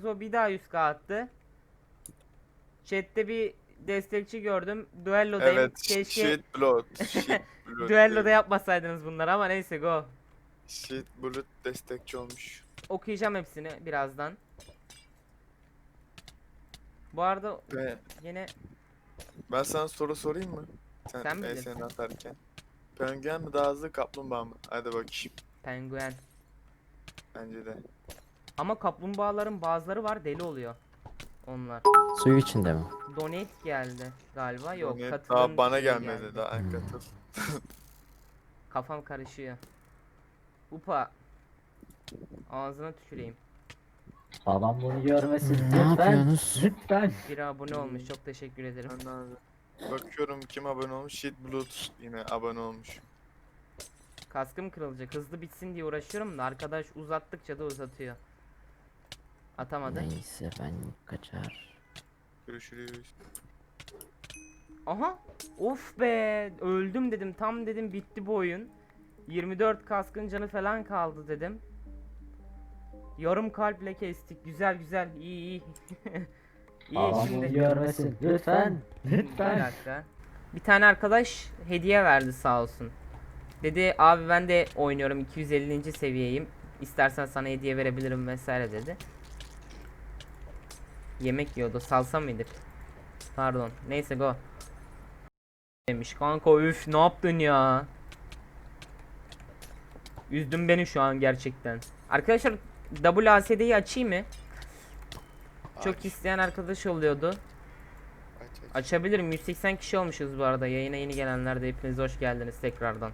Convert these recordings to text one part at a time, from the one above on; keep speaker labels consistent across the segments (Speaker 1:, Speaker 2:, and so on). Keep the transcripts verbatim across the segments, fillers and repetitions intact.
Speaker 1: Nazo bir daha yüz K attı. Chat'te bir destekçi gördüm. Duello'dayım.
Speaker 2: Evet.
Speaker 1: Keşke
Speaker 2: Shit blood. Shit blood.
Speaker 1: Duello'da
Speaker 2: değil.
Speaker 1: yapmasaydınız bunları ama neyse go.
Speaker 2: Shit blood destekçi olmuş.
Speaker 1: Okuyacağım hepsini birazdan. Bu arada
Speaker 2: Ve
Speaker 1: yine
Speaker 2: ben sana soru sorayım mı? Sen,
Speaker 1: Sen
Speaker 2: e,
Speaker 1: bilirsin.
Speaker 2: seni atarken. Penguen mi daha hızlı, kaplumbağa mı? Hadi bakayım.
Speaker 1: penguen.
Speaker 2: Bence de.
Speaker 1: Ama kaplumbağaların bazıları var deli oluyor. Onlar.
Speaker 3: Suyu içinde mi?
Speaker 1: Donate geldi galiba. Yok,
Speaker 2: Yani
Speaker 1: katılın
Speaker 2: daha bana
Speaker 1: diye
Speaker 2: gelmedi
Speaker 1: geldi.
Speaker 2: daha
Speaker 3: Hmm.
Speaker 2: katıl.
Speaker 1: Kafam karışıyor. Upa. Ağzına tüküreyim.
Speaker 4: Babam bunu görmesin.
Speaker 3: Ne
Speaker 4: Lütfen.
Speaker 3: yapıyorsunuz?
Speaker 4: Lütfen.
Speaker 1: Bir abone olmuş. Çok teşekkür ederim.
Speaker 2: Ben abi. Bakıyorum kim abone olmuş. Shit blood yine abone olmuş.
Speaker 1: Kaskım kırılacak. Hızlı bitsin diye uğraşıyorum da arkadaş uzattıkça da uzatıyor. Atamadı.
Speaker 3: Neyse ben kaçar.
Speaker 2: Görüşürüz.
Speaker 1: Aha. Of be. Öldüm dedim. Tam dedim bitti bu oyun. yirmi dört kaskın canı falan kaldı dedim. Yarım kalple kestik. Güzel güzel. İyi iyi. İyi
Speaker 4: Babam bunu
Speaker 1: şimdi.
Speaker 4: görmesin. Lütfen.
Speaker 1: Bir
Speaker 4: Lütfen.
Speaker 1: dakika. Bir tane arkadaş hediye verdi sağ olsun. Dedi abi ben de oynuyorum, iki yüz ellinci seviyeyim. İstersen sana hediye verebilirim vesaire dedi. Yemek yiyordu. Salsa mıydık? Pardon. Neyse go. Demiş kanka, üf ne yaptın ya? Üzdün beni şu an gerçekten. Arkadaşlar W A S D'yi açayım mı? Çok
Speaker 2: Aç,
Speaker 1: isteyen arkadaş oluyordu.
Speaker 2: aç, aç.
Speaker 1: Açabilirim. yüz seksen kişi olmuşuz bu arada. Yayına yeni gelenler de hepiniz hoş geldiniz tekrardan.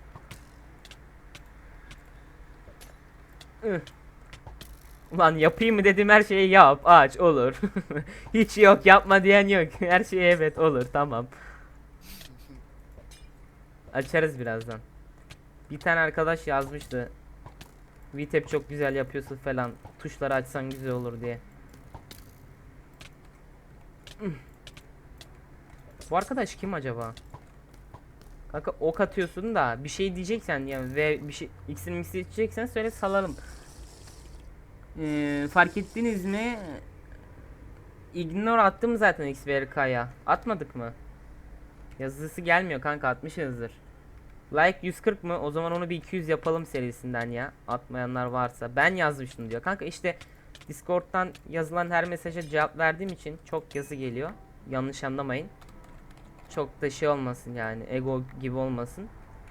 Speaker 1: Üh. Ulan yapayım mı dedim, her şeyi yap, aç, olur. Hiç yok yapma diyen yok. Her şeye evet olur, tamam. Açarız birazdan. Bir tane arkadaş yazmıştı. V T A P çok güzel yapıyorsun falan. Tuşları açsan güzel olur diye. Üh. Bu arkadaş kim acaba? Kanka ok atıyorsun da bir şey diyeceksen yani ve bir şey X'ini mix'i içeceksen söyle salalım. Ee, fark ettiniz mi? Ignore attım zaten X B R K'ya. Atmadık mı? Yazısı gelmiyor kanka, atmışızdır. Like yüz kırk mı? O zaman onu bir iki yüz yapalım serisinden ya. Atmayanlar varsa. Ben yazmıştım diyor. Kanka işte Discord'dan yazılan her mesaja cevap verdiğim için çok yazı geliyor. Yanlış anlamayın. Çok da şey olmasın yani. Ego gibi olmasın.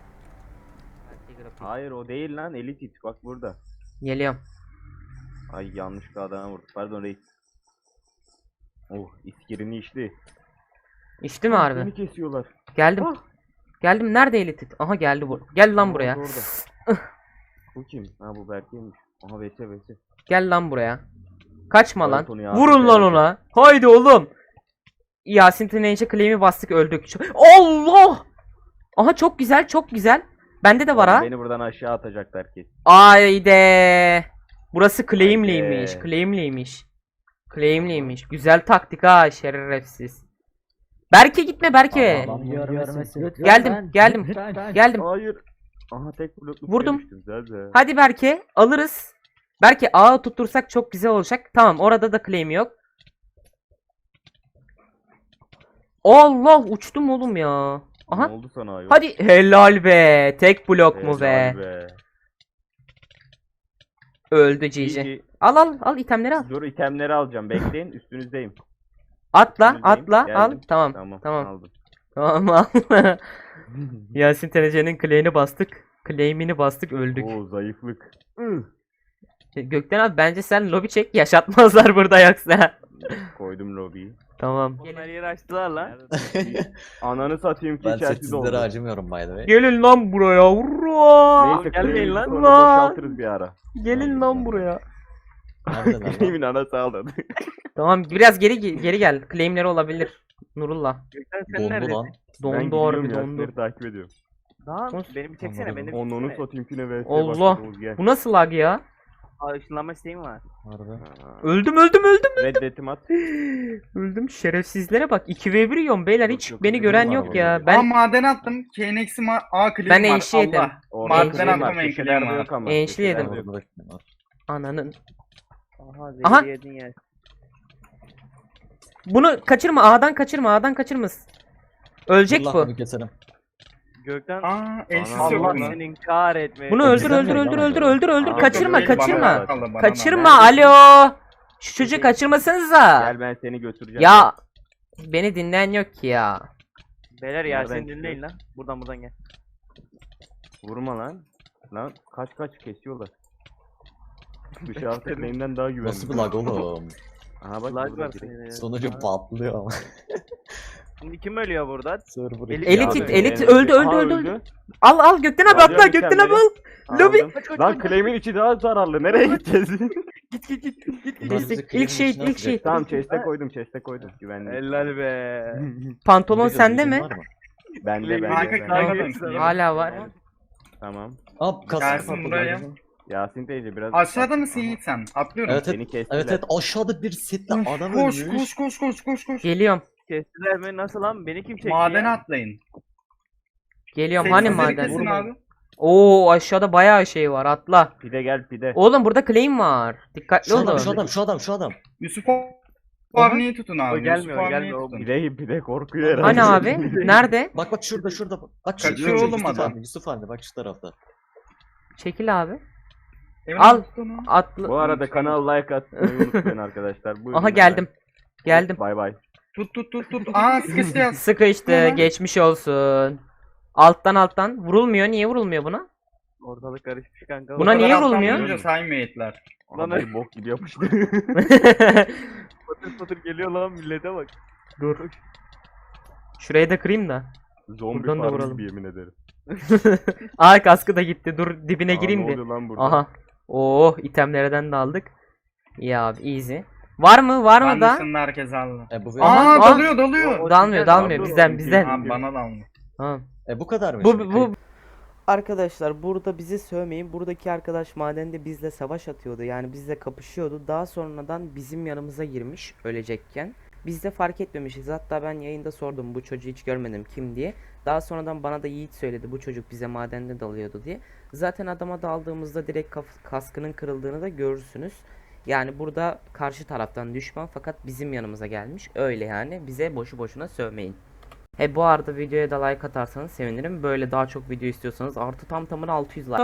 Speaker 5: Hayır o değil lan, elit it bak burada.
Speaker 1: Geliyorum.
Speaker 5: Ay yanlış adama vurdu. Pardon reis. Oh iskirini içti.
Speaker 1: İçti mi harbi?
Speaker 5: Beni kesiyorlar.
Speaker 1: Geldim.
Speaker 5: Ah!
Speaker 1: Geldim. Nerede Elitit? Aha geldi bu. Gel lan
Speaker 5: Aa,
Speaker 1: buraya.
Speaker 5: orada. Bu kim? Ha bu Berke'ymiş. Aha Vese Vese.
Speaker 1: Gel lan buraya. Kaçma lan.
Speaker 5: Evet, onu ya,
Speaker 1: Vurun
Speaker 5: bir
Speaker 1: lan
Speaker 5: kere
Speaker 1: ona. Haydi oğlum. Yasin Tüneyce claim'i bastık, öldük. Çok- Allah! Aha çok güzel, çok güzel. Bende de var
Speaker 5: Oğlum,
Speaker 1: ha.
Speaker 5: beni buradan aşağı atacaklar ki.
Speaker 1: Haydi. Burası claim'liymiş.
Speaker 5: Haydi.
Speaker 1: Claim'liymiş. Claim'liymiş. Güzel taktik ha, şerefsiz. Berke gitme Berke.
Speaker 4: Babam bunu görmesin. Lütfen.
Speaker 1: Geldim, geldim.
Speaker 4: Lütfen.
Speaker 1: Geldim.
Speaker 5: Hayır. Aha tek blokluk
Speaker 1: Vurdum.
Speaker 5: yemiştim zaten.
Speaker 1: Hadi Berke alırız. Berke ağı tuttursak çok güzel olacak. Tamam, orada da claim yok. Allah, uçtum oğlum ya. Aha.
Speaker 5: Ne oldu sana ayol?
Speaker 1: Hadi helal be. Tek blok mu be?
Speaker 5: Helal be.
Speaker 1: Öldü Cici.
Speaker 5: İyi,
Speaker 1: Al al al, itemleri al.
Speaker 5: dur itemleri alacağım. Bekleyin üstünüzdeyim.
Speaker 1: Atla
Speaker 5: Üstünüzdeyim.
Speaker 1: atla al.
Speaker 5: Geldim.
Speaker 1: Tamam.
Speaker 5: Tamam.
Speaker 1: Tamam.
Speaker 5: Aldım.
Speaker 1: Tamam al. Yasin Tenece'nin claim'ini bastık. Claim'ini bastık, öldük.
Speaker 5: Oo zayıflık.
Speaker 1: Gökten abi bence sen lobi çek, yaşatmazlar burada yoksa.
Speaker 5: Koydum lobiyi.
Speaker 1: Tamam.
Speaker 5: Onlar yeri açtılar lan. Ananı satayım ki
Speaker 3: Ben
Speaker 5: içerisi
Speaker 3: sessizlere
Speaker 5: doldu.
Speaker 3: acımıyorum by the way.
Speaker 1: Gelin lan buraya. Hurra!
Speaker 5: Neyse gelmeyin lan. Sonra
Speaker 1: Lan!
Speaker 5: boşaltırız bir ara.
Speaker 1: Gelin lan buraya.
Speaker 3: Nereden lan?
Speaker 5: Kimin anası aldı.
Speaker 1: Tamam, biraz geri geri gel. Claimleri olabilir. Nurullah.
Speaker 3: Dondu lan.
Speaker 1: Dondu harbi, dondu.
Speaker 5: takip ediyorum.
Speaker 6: Lan
Speaker 1: Konuş.
Speaker 6: beni bir çeksene,
Speaker 3: Anladım.
Speaker 6: beni bir
Speaker 5: Onunu
Speaker 6: çeksene.
Speaker 5: satayım ki ne vs
Speaker 1: Allah.
Speaker 5: başladı, Oğuz, gel.
Speaker 1: Bu nasıl lag ya?
Speaker 6: Aa, ışınlanma isteğim var.
Speaker 3: Harbi.
Speaker 5: Aa,
Speaker 1: Öldüm öldüm öldüm.
Speaker 5: Reddetim at.
Speaker 1: Öldüm, şerefsizlere bak. iki ve bir yiyorum beyler, hiç
Speaker 5: Yok, yok,
Speaker 1: beni
Speaker 5: yok,
Speaker 1: gören
Speaker 5: yok,
Speaker 1: yok
Speaker 5: yok.
Speaker 1: ya.
Speaker 7: Ben
Speaker 1: Ben
Speaker 7: maden attım. K N X'i ma A klibim
Speaker 1: Ben
Speaker 7: var.
Speaker 1: enşi yedim.
Speaker 7: Allah.
Speaker 5: Orada
Speaker 7: Maden
Speaker 5: şey var,
Speaker 7: atlamayın,
Speaker 5: köşelerde
Speaker 7: klima.
Speaker 5: yok ama,
Speaker 1: Enşli
Speaker 5: köşelerde
Speaker 1: yedim.
Speaker 5: yok.
Speaker 3: Orada da kim var?
Speaker 1: ananın
Speaker 6: Aha
Speaker 1: Aha.
Speaker 6: zehri yedin ya.
Speaker 1: Bunu kaçırma, A'dan kaçırma, A'dan kaçırmaz. Ölecek
Speaker 3: Allah
Speaker 1: bu.
Speaker 3: bunu keserim.
Speaker 6: Gökten
Speaker 7: Aa eşsiz
Speaker 2: Ana,
Speaker 7: yok
Speaker 6: Allah
Speaker 7: mu?
Speaker 6: senin kahretme.
Speaker 1: Bunu
Speaker 3: Ya
Speaker 1: öldür,
Speaker 3: bizden
Speaker 1: öldür,
Speaker 3: mi?
Speaker 1: öldür,
Speaker 3: Bana
Speaker 1: öldür,
Speaker 3: göre.
Speaker 1: öldür, öldür.
Speaker 5: Aa,
Speaker 1: Kaçırma,
Speaker 7: Değil, bana
Speaker 1: kaçırma.
Speaker 7: kaldı, bana
Speaker 1: Kaçırma,
Speaker 7: kaldı.
Speaker 1: alo. Şu çocuğu kaçırmasanıza.
Speaker 5: Gel ben seni götüreceğim.
Speaker 1: Ya beni dinleyen yok ki ya.
Speaker 6: Beyler
Speaker 5: Nereden
Speaker 6: Yasin
Speaker 5: çıkıyor?
Speaker 6: dinleyin lan. Buradan buradan gel.
Speaker 5: Vurma lan. Lan kaç kaç kesiyorlar. Dışarıda beyinden daha güvenli.
Speaker 3: Nasıl bir lag oğlum?
Speaker 5: Aha bak
Speaker 6: Lag
Speaker 5: burada
Speaker 6: var
Speaker 5: direkt.
Speaker 6: senin.
Speaker 3: Sonucu patlıyor ama.
Speaker 6: Şimdi kim ölüyor burada?
Speaker 3: Server
Speaker 6: Elit-
Speaker 1: Elit
Speaker 6: Abi,
Speaker 1: it, elit
Speaker 5: yani-
Speaker 1: öldü, öldü,
Speaker 5: Aha,
Speaker 1: öldü, öldü. Al al Gökten abi
Speaker 5: Alıyorum
Speaker 1: atla, Gökten abi
Speaker 5: itemleri.
Speaker 1: al. Lobi.
Speaker 5: Aldım. Lan claim'in içi daha zararlı. Nereye gideceğiz?
Speaker 1: Git git git. Git
Speaker 3: Bunlar
Speaker 1: git.
Speaker 3: bizi
Speaker 1: İlk
Speaker 3: claim'in
Speaker 1: şey,
Speaker 3: içine
Speaker 1: ilk şey.
Speaker 3: atacak.
Speaker 5: Tamam chest'e koydum, chest'e koydum. Güvenli.
Speaker 6: Helal be.
Speaker 1: Pantolon
Speaker 3: Burada
Speaker 1: sende
Speaker 3: gözün
Speaker 1: mi?
Speaker 3: var mı?
Speaker 5: Bende
Speaker 6: Claim'in
Speaker 5: bende.
Speaker 7: içi
Speaker 5: bende.
Speaker 7: daha
Speaker 6: Kanka,
Speaker 7: güvenli.
Speaker 1: Hala var.
Speaker 5: Tamam.
Speaker 3: Aa kasık
Speaker 7: Gelsin
Speaker 3: patladı.
Speaker 7: buraya.
Speaker 5: Yasin teyze biraz...
Speaker 7: Aşağıda mısın Yiğit sen? Atlıyorum.
Speaker 3: Evet
Speaker 5: Seni
Speaker 3: evet.
Speaker 5: kestiler.
Speaker 3: Evet evet aşağıda bir setle
Speaker 7: Uf,
Speaker 3: adam
Speaker 7: koş,
Speaker 3: ölmüş.
Speaker 7: koş koş koş koş koş.
Speaker 1: Geliyorum.
Speaker 6: Kestiler mi? Nasıl lan? Beni kim çekti
Speaker 7: Madene
Speaker 6: ya?
Speaker 7: atlayın.
Speaker 1: Geliyorum. Hani
Speaker 7: Sessizleri
Speaker 1: maden?
Speaker 7: kesin abi.
Speaker 1: Oo aşağıda bayağı şey var. Atla.
Speaker 5: Pide gel pide.
Speaker 1: Oğlum burada claim var. Dikkatli
Speaker 3: Şu adam
Speaker 1: olun.
Speaker 3: şu adam şu adam şu adam.
Speaker 7: Yusuf Avni'yi tutun abi.
Speaker 6: O gelmiyor,
Speaker 7: Yusuf Avni'yi
Speaker 6: gelmiyor, o
Speaker 7: tutun.
Speaker 5: Pide pide korkuyor herhalde.
Speaker 1: Hani abi? Nerede?
Speaker 3: Bak bak şurada şurada. Bak şurada.
Speaker 7: Kaçıyor
Speaker 3: Yusuf
Speaker 7: oğlum
Speaker 3: Yusuf
Speaker 7: adam.
Speaker 3: anne, Yusuf anne bak şu tarafta.
Speaker 1: Çekil abi.
Speaker 7: Emin
Speaker 1: Al.
Speaker 7: tutun onu.
Speaker 1: Atla.
Speaker 5: Bu arada kanal like atmayı unutmayın arkadaşlar. Buyurun
Speaker 1: Aha
Speaker 5: beyler.
Speaker 1: geldim. Geldim.
Speaker 5: Bay bay.
Speaker 7: Tut tut tut tut. Aa sıkıştı yaz.
Speaker 1: Sıkıştı.
Speaker 7: Tamam.
Speaker 1: Geçmiş olsun. Alttan alttan. Vurulmuyor. Niye vurulmuyor buna?
Speaker 6: Ortalık karışmış kanka.
Speaker 1: Buna niye
Speaker 7: Alttan
Speaker 1: vurulmuyor?
Speaker 7: vurunca saymıyor etler.
Speaker 5: Lan
Speaker 6: Lan-
Speaker 5: bir bok gibi yapıştı.
Speaker 6: Patır patır geliyor lan millete bak.
Speaker 1: Dur. Şurayı da kırayım da.
Speaker 5: Zombi
Speaker 1: Buradan da
Speaker 5: farm
Speaker 1: vuralım.
Speaker 5: gibi yemin ederim.
Speaker 1: Aa kaskı da gitti. Dur dibine
Speaker 5: Aa,
Speaker 1: gireyim
Speaker 5: ne
Speaker 1: bir.
Speaker 5: oluyor lan burada?
Speaker 1: Aha. Oh itemlerden de aldık. İyi abi easy. Var mı? Var mı
Speaker 7: Ben
Speaker 1: da?
Speaker 7: dışında herkes aldı.
Speaker 3: E bu
Speaker 7: Aa
Speaker 1: Aha.
Speaker 7: dalıyor dalıyor.
Speaker 6: O-
Speaker 1: Dalmıyor,
Speaker 6: bizden
Speaker 1: dalmıyor.
Speaker 6: aldı,
Speaker 1: Bizden,
Speaker 6: o
Speaker 1: bizden.
Speaker 7: Abi bana da aldı.
Speaker 1: Ha.
Speaker 3: e bu kadar mı?
Speaker 1: Bu
Speaker 3: şimdi?
Speaker 1: bu Arkadaşlar burada bizi sövmeyin. Buradaki arkadaş madende bizle savaş atıyordu. Yani bizle kapışıyordu. Daha sonradan bizim yanımıza girmiş ölecekken. Biz de fark etmemişiz. Hatta ben yayında sordum bu çocuğu hiç görmedim kim diye. Daha sonradan bana da Yiğit söyledi bu çocuk bize madende dalıyordu diye. Zaten adama daldığımızda direkt kaf- kaskının kırıldığını da görürsünüz. Yani burada karşı taraftan düşman fakat bizim yanımıza gelmiş. Öyle yani bize boşu boşuna sövmeyin. He bu arada videoya da like atarsanız sevinirim. Böyle daha çok video istiyorsanız artı tam tamına altı yüz like.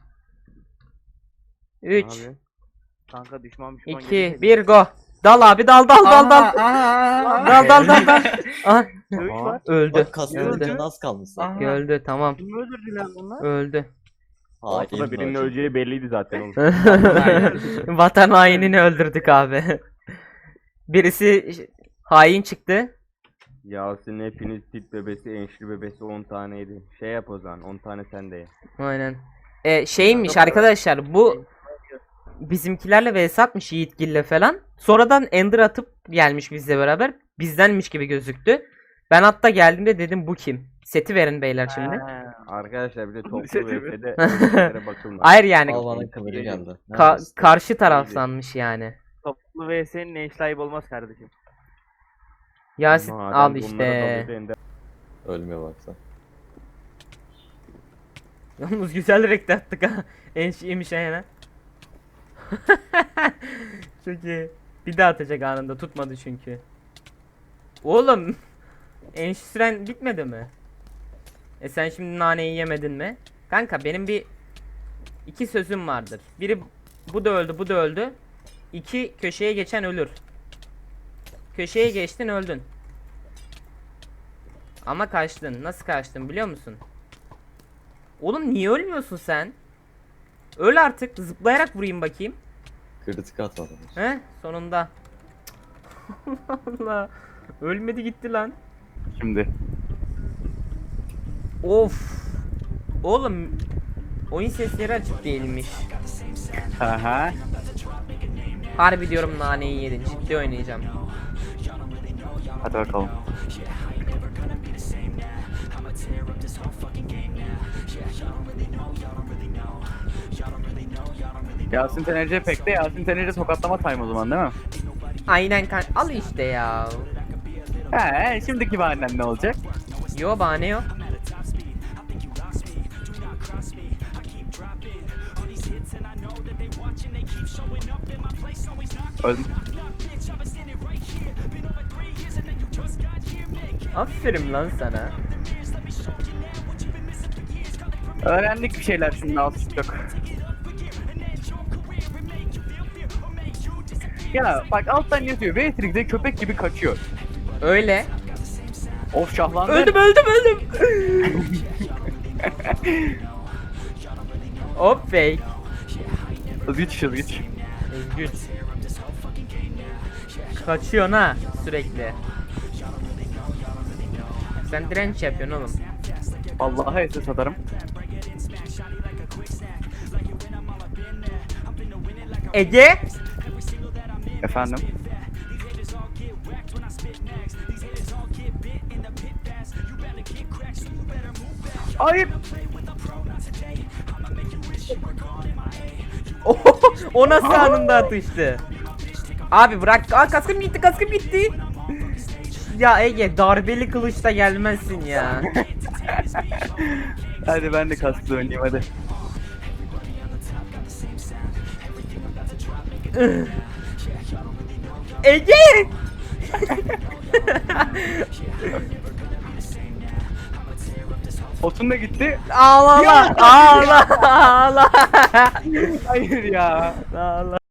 Speaker 1: üç,
Speaker 6: Abi. Kanka düşman düşman
Speaker 1: iki, bir go. Dal abi dal dal dal dal.
Speaker 7: Aa,
Speaker 1: Dal dal dal dal. Aha,
Speaker 6: Dövüş
Speaker 5: Aha.
Speaker 6: var.
Speaker 1: öldü.
Speaker 3: Bak kasmanın
Speaker 1: Öldü.
Speaker 3: canı az kalmış zaten.
Speaker 7: Aha.
Speaker 1: Öldü tamam.
Speaker 6: Kim öldürdüler bunlar?
Speaker 1: Öldü.
Speaker 5: Ortada birinin öleceği belliydi zaten oğlum.
Speaker 1: Vatan hainini öldürdük abi. Birisi hain çıktı.
Speaker 5: Yasin hepiniz tit bebesi, enşli bebesi on taneydi. Şey yap o zaman, on tane sen de ye.
Speaker 1: Aynen. E, şeymiş arkadaşlar bu bizimkilerle vs atmış Yiğitgil'le falan. Sonradan Ender atıp gelmiş bizle beraber. Bizdenmiş gibi gözüktü. Ben hatta geldiğimde dedim bu kim? Seti verin beyler şimdi.
Speaker 6: Ha,
Speaker 5: Arkadaşlar bir de toplu
Speaker 6: Seti mi?
Speaker 5: vs'de özelliklere bakılmaz.
Speaker 1: Hayır yani
Speaker 3: Al bana kıvırı geldi.
Speaker 1: ka-
Speaker 3: Neredesin?
Speaker 1: karşı taraf sanmış yani.
Speaker 6: Toplu vs'nin ne işlayip olmaz kardeşim.
Speaker 1: Yasin
Speaker 5: Madem
Speaker 1: al
Speaker 5: bunlara
Speaker 1: işte.
Speaker 5: dalıyordu Ender-
Speaker 3: Ölmüyor baksa.
Speaker 1: Yalnız güzel renk attık ha. En şeymiş yani. Çok iyi. Bir daha atacak anında tutmadı çünkü. Oğlum. En süren bitmedi mi? E sen şimdi naneyi yemedin mi? Kanka benim bir iki sözüm vardır. Biri bu da öldü bu da öldü. İki köşeye geçen ölür. Köşeye geçtin öldün. Ama kaçtın. Nasıl kaçtın biliyor musun? Oğlum niye ölmüyorsun sen? Öl artık. Zıplayarak vurayım bakayım.
Speaker 3: Kritik atmadım.
Speaker 1: He? Sonunda. Allah. Ölmedi gitti lan.
Speaker 5: Şimdi.
Speaker 1: Of. Oğlum. Oyun sesleri açık değilmiş.
Speaker 5: Aha.
Speaker 1: Harbi diyorum naneyi yedin. Ciddi oynayacağım.
Speaker 5: Hadi bakalım.
Speaker 8: Yasin Tenerci pek de Yasin Tenerci tokatlama time o zaman değil mi?
Speaker 1: Aynen kan. Al işte ya.
Speaker 8: He, şimdiki bahanen ne olacak?
Speaker 1: Yo bahane yok.
Speaker 8: Öldüm.
Speaker 1: Aferin lan sana.
Speaker 8: Öğrendik bir şeyler şimdi az çok. Ya bak alttan yazıyor. Beatrix'e köpek gibi kaçıyor.
Speaker 1: Öyle.
Speaker 8: Of şahlandı.
Speaker 1: Öldüm öldüm öldüm. Hop fake.
Speaker 8: Hızgıç hızgıç.
Speaker 1: Özgür. Kaçıyorsun ha sürekli. Sen direnç yapıyorsun oğlum.
Speaker 8: Vallahi S S atarım.
Speaker 1: Ege.
Speaker 8: Efendim. Hayır.
Speaker 1: O nasıl anında atıştı? Abi bırak. Aa kaskım gitti kaskım gitti. Ya Ege darbeli kılıçla gelmezsin ya.
Speaker 8: Hadi ben de kaskla oynayayım hadi.
Speaker 1: Ege!
Speaker 8: Otun da gitti.
Speaker 1: Ağlama ağla ağla.
Speaker 8: Hayır ya.
Speaker 1: Ağla.